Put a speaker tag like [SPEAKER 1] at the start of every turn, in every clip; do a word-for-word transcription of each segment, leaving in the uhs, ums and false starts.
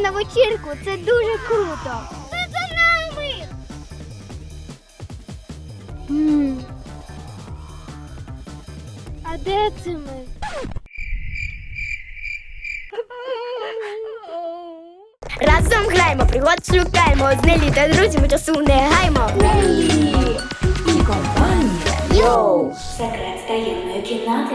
[SPEAKER 1] на вечірку, це дуже круто. Ти за нами! М. А де це ми?
[SPEAKER 2] Разом граємо, пригод шукаємо, з Нелі та друзями часу не гаймо.
[SPEAKER 3] Нелі і компанія.
[SPEAKER 2] Йоу!
[SPEAKER 3] Секрет таємної кімнати.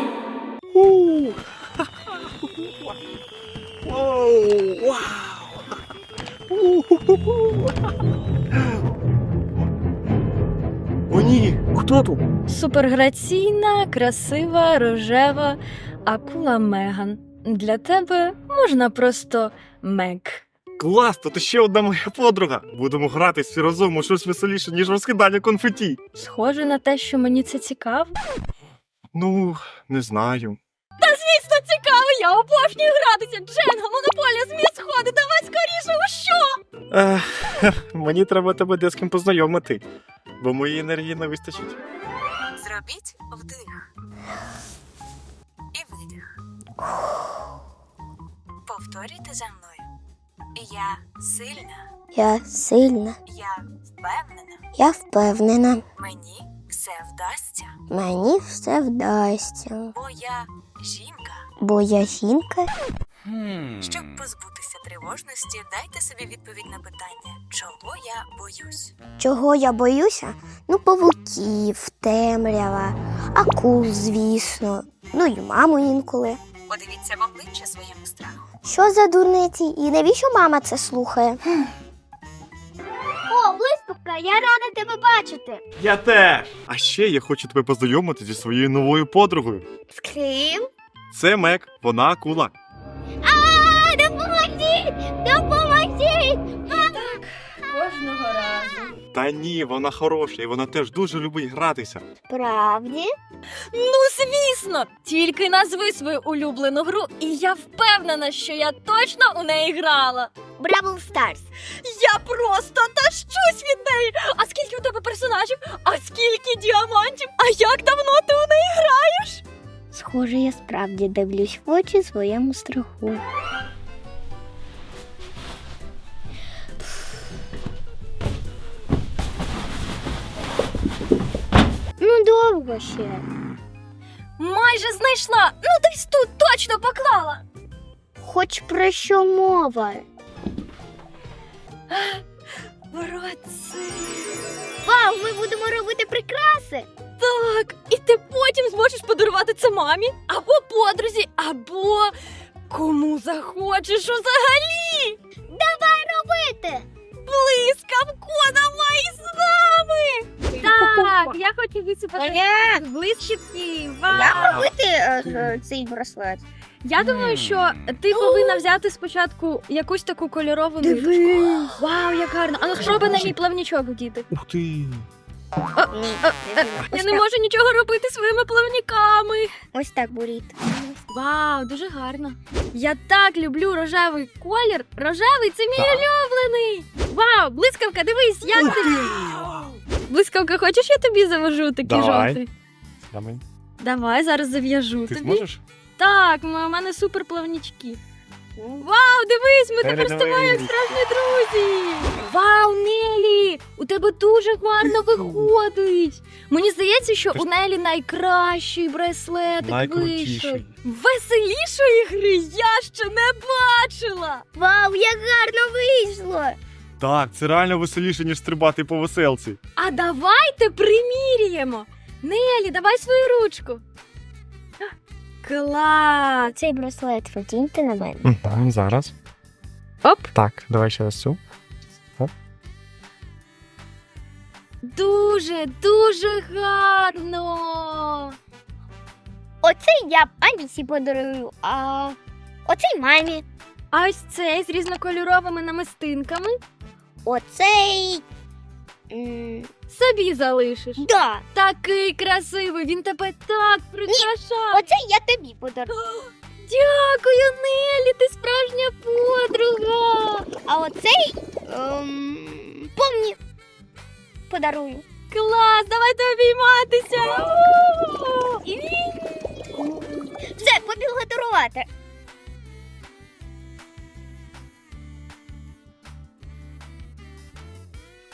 [SPEAKER 4] О ні, хто тут?
[SPEAKER 5] Суперграційна, красива, рожева акула Меган. Для тебе можна просто Мег.
[SPEAKER 4] Клас, то ти ще одна моя подруга. Будемо гратись всі разом у щось веселіше, ніж розкидання конфеті.
[SPEAKER 5] Схоже на те, що мені це цікаво.
[SPEAKER 4] Ну, не знаю.
[SPEAKER 5] Звісно, цікаво, я обожнюю гратися. Дженга, монополія, зміст сходи, давай скоріше, у що?
[SPEAKER 4] Ех, мені треба тебе де з ким познайомити, бо моєї енергії не вистачить.
[SPEAKER 6] Зробіть вдих і видих. Повторюйте за мною. Я сильна,
[SPEAKER 2] Я сильна,
[SPEAKER 6] я впевнена,
[SPEAKER 2] я впевнена.
[SPEAKER 6] мені все вдасться,
[SPEAKER 2] Мені все вдасться.
[SPEAKER 6] бо я жінка.
[SPEAKER 2] Бо я жінка.
[SPEAKER 6] Щоб позбутися тривожності, дайте собі відповідь на питання, чого я боюсь.
[SPEAKER 2] Чого я боюся? Ну, павуків, темрява, акул, звісно. Ну і маму інколи.
[SPEAKER 6] Подивіться в обличчя своєму страху.
[SPEAKER 2] Що за дурниці? І навіщо мама це слухає? О, блискавка, я рада тебе бачити.
[SPEAKER 4] Я теж! А ще я хочу тебе познайомити зі своєю новою подругою.
[SPEAKER 2] З ким?
[SPEAKER 4] Це Мек, вона акула.
[SPEAKER 2] А, допоможіть! Допоможіть!
[SPEAKER 5] Кожного разу.
[SPEAKER 4] Та ні, вона хороша, і вона теж дуже любить гратися.
[SPEAKER 2] Правді?
[SPEAKER 5] Ну, звісно! Тільки назви свою улюблену гру, і я впевнена, що я точно у неї грала.
[SPEAKER 2] Бравл Старс.
[SPEAKER 5] Я просто тащусь від неї! А скільки у тебе персонажів? А скільки діамантів? А як давно ти у неї граєш?
[SPEAKER 2] Схоже, я справді дивлюсь в очі своєму страху. Ну, довго ще.
[SPEAKER 5] Майже знайшла! Ну десь тут точно поклала!
[SPEAKER 2] Хоч про що мова?
[SPEAKER 5] Братці!
[SPEAKER 2] Вау, ми будемо робити прикраси!
[SPEAKER 5] Так, і ти потім зможеш подарувати це мамі, або подрузі, або кому захочеш взагалі!
[SPEAKER 2] Давай робити!
[SPEAKER 5] Блискавко, давай з нами! Так, я хочу висипати блискітки. Вау!
[SPEAKER 2] Робити е, цей браслет.
[SPEAKER 5] Я думаю, що ти повинна взяти спочатку якусь таку кольорову нитку.
[SPEAKER 2] Дивись!
[SPEAKER 5] Вау, як гарно! А ну спробуй на мій плавнічок вдіти.
[SPEAKER 4] Ух ти!
[SPEAKER 5] Я не можу нічого робити своїми плавніками.
[SPEAKER 2] Ось так буріт.
[SPEAKER 5] Вау, дуже гарно. Я так люблю рожевий колір. Рожевий це мій
[SPEAKER 4] Так.
[SPEAKER 5] улюблений. Вау, блискавка, дивись, як тобі? Блискавка, хочеш, я тобі завяжу такі
[SPEAKER 4] Давай.
[SPEAKER 5] жовті?
[SPEAKER 4] Давай.
[SPEAKER 5] Давай, зараз зав'яжу
[SPEAKER 4] Ти
[SPEAKER 5] тобі.
[SPEAKER 4] зможеш?
[SPEAKER 5] Так, у мене супер плавнічки. Вау, дивись, ми тепер з тобою як справжні друзі. Вау, Нелі, у тебе дуже гарно виходить. Мені здається, що у Нелі найкращий браслетик вийшов.
[SPEAKER 4] Найкрутіший.
[SPEAKER 5] Веселішої гри я ще не бачила.
[SPEAKER 2] Вау, як гарно вийшло!
[SPEAKER 4] Так, це реально веселіше, ніж стрибати по веселці.
[SPEAKER 5] А давайте приміряємо. Нелі, давай свою ручку. Клас!
[SPEAKER 2] Цей браслет потіньте на мене.
[SPEAKER 4] Так, зараз.
[SPEAKER 5] Оп.
[SPEAKER 4] Так, давай ще раз цю.
[SPEAKER 5] Дуже, дуже гарно.
[SPEAKER 2] Оцей я б Анісі подарую, а оцей мамі.
[SPEAKER 5] А ось цей з різнокольоровими намистинками
[SPEAKER 2] Оцей... м,
[SPEAKER 5] собі залишиш.
[SPEAKER 2] Да,
[SPEAKER 5] Такий красивий, він тебе так прикрашає.
[SPEAKER 2] оцей я тобі подарую.
[SPEAKER 5] Дякую, Нелі, ти справжня подруга.
[SPEAKER 2] А оцей ем, помні подарую.
[SPEAKER 5] Клас, давайте обійматися.
[SPEAKER 2] Все, побігла дарувати.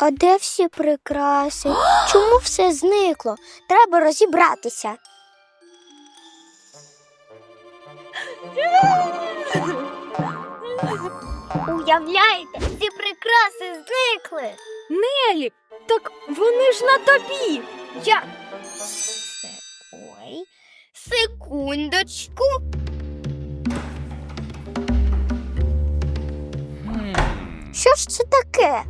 [SPEAKER 2] А де всі прикраси? Чому все зникло? Треба розібратися.
[SPEAKER 1] Уявляєте, ці прикраси зникли.
[SPEAKER 5] Нелі, так вони ж на тобі.
[SPEAKER 1] Я. Ой, секундочку.
[SPEAKER 2] Що ж це таке?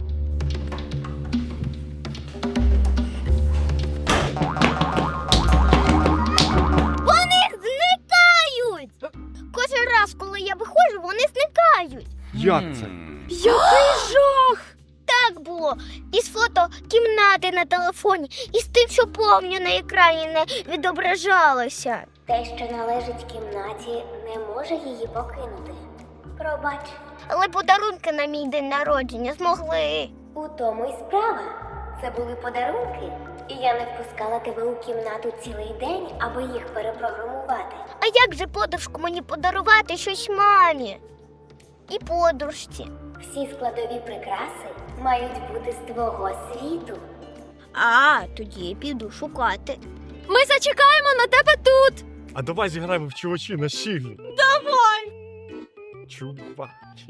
[SPEAKER 1] Вони зникають. Кожен раз, коли я виходжу, вони зникають.
[SPEAKER 4] Як це?
[SPEAKER 5] Який жах!
[SPEAKER 1] Так було із фото кімнати на телефоні, і з тим, що помню на екрані не відображалося.
[SPEAKER 7] Те, що належить кімнаті, не може її покинути. Пробач,
[SPEAKER 1] Але подарунки на мій день народження змогли.
[SPEAKER 7] у тому й справа. Це були подарунки, і я не впускала тебе у кімнату цілий день, аби їх перепрограмувати.
[SPEAKER 1] А як же подружку мені подарувати щось мамі? І подружці.
[SPEAKER 7] Всі складові прикраси мають бути з твого світу.
[SPEAKER 1] А, тоді я піду шукати.
[SPEAKER 5] Ми зачекаємо на тебе тут.
[SPEAKER 4] А давай зіграємо в чувачі на щіглі. Давай! Чувачі.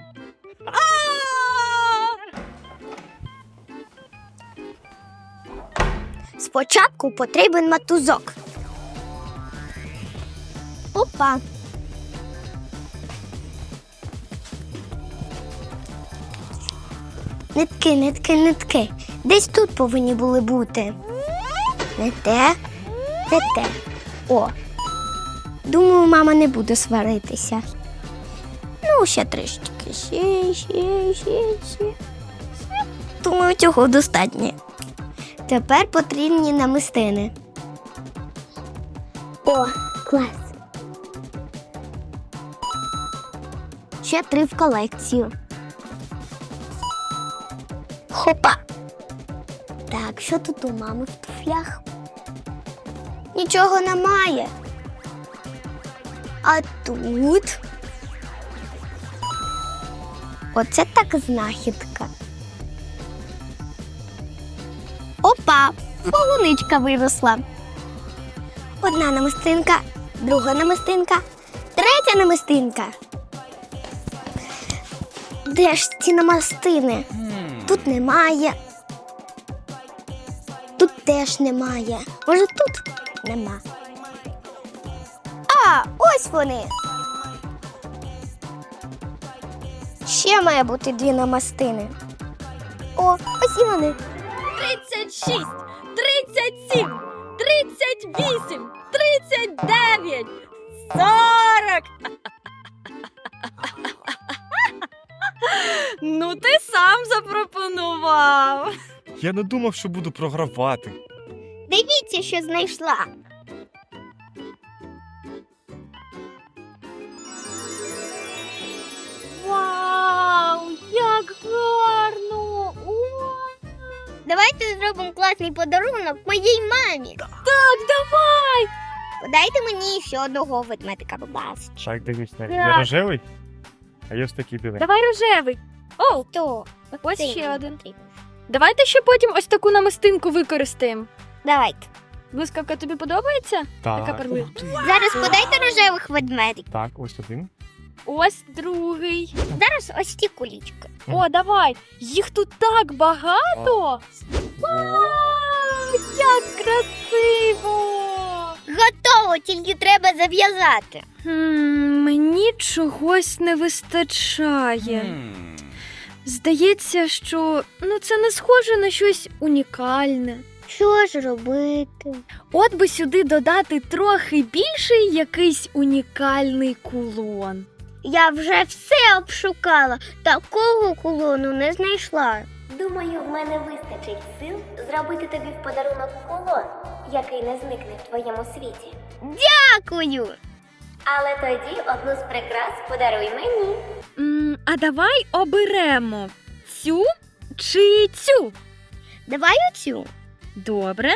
[SPEAKER 2] Спочатку потрібен мотузок. Опа. Нитки, нитки, нитки. Десь тут повинні були бути. Не те, не те. О. Думаю, мама не буде сваритися. Ну, ще трішки. Ще, ще, ще, ще. Думаю, цього достатньо. Тепер потрібні намистини. О, клас. Ще три в колекцію. Хопа. Так, що тут у мами в туфлях? Нічого немає. А тут? Оце так знахідка. Опа! Полуничка виросла. Одна намистинка, друга намистинка, третя намистинка. Де ж ці намистини? Тут немає. Тут теж немає. Може, тут нема. А, ось вони. Ще має бути дві намистини. О, ось і вони.
[SPEAKER 5] тридцять шість, тридцять сім, тридцять вісім, тридцять дев'ять, сорок. Ну, ти сам запропонував.
[SPEAKER 4] Я не думав, що буду програвати.
[SPEAKER 1] Дивіться, що знайшла.
[SPEAKER 5] Вау, як гарно! О!
[SPEAKER 1] Давайте зробимо класний подарунок моїй мамі.
[SPEAKER 5] Так, давай!
[SPEAKER 1] Подайте мені ще одного ведмедика, будь ласка.
[SPEAKER 4] Так, дивись,
[SPEAKER 5] Так.
[SPEAKER 4] я рожевий, а я ось такий білий.
[SPEAKER 5] Давай рожевий. О,
[SPEAKER 1] То,
[SPEAKER 5] ось
[SPEAKER 1] цей
[SPEAKER 5] ще
[SPEAKER 1] мені
[SPEAKER 5] один.
[SPEAKER 1] потрібен.
[SPEAKER 5] Давайте ще потім ось таку намистинку використаємо.
[SPEAKER 1] Давайте.
[SPEAKER 5] Блискавка, тобі подобається? Така
[SPEAKER 4] Так,
[SPEAKER 5] перлина.
[SPEAKER 1] Зараз подайте рожевих ведмедиків.
[SPEAKER 4] так, ось один.
[SPEAKER 5] Ось другий.
[SPEAKER 1] Зараз ось ті кулічки.
[SPEAKER 5] О, давай! Їх тут так багато! Вау, як красиво!
[SPEAKER 1] Готово, тільки треба зав'язати.
[SPEAKER 5] Хм, мені чогось не вистачає. Здається, що ну, це не схоже на щось унікальне.
[SPEAKER 1] Що ж робити?
[SPEAKER 5] От би сюди додати трохи більший якийсь унікальний кулон.
[SPEAKER 1] Я вже все обшукала, такого кулону не знайшла.
[SPEAKER 7] Думаю, в мене вистачить сил зробити тобі в подарунок кулон, який не зникне в твоєму світі.
[SPEAKER 1] Дякую!
[SPEAKER 7] Але тоді одну з прикрас подаруй мені.
[SPEAKER 5] М, а давай оберемо цю чи цю.
[SPEAKER 1] Давай оцю.
[SPEAKER 5] Добре.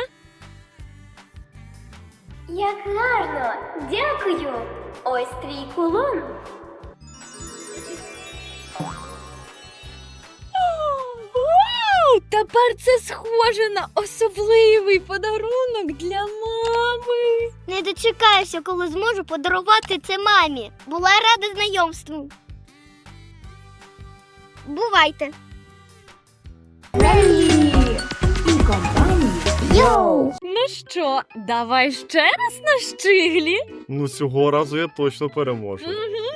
[SPEAKER 7] Як гарно! Дякую! Ось твій кулон.
[SPEAKER 5] Вау, Тепер це схоже на особливий подарунок для мами.
[SPEAKER 1] Не дочекаюся, коли зможу подарувати це мамі. Була рада знайомству. Бувайте.
[SPEAKER 3] Нелі і компанія.
[SPEAKER 1] Йоу!
[SPEAKER 5] Ну що, давай ще раз на щиглі?
[SPEAKER 4] Ну цього разу я точно переможу.
[SPEAKER 5] Угу.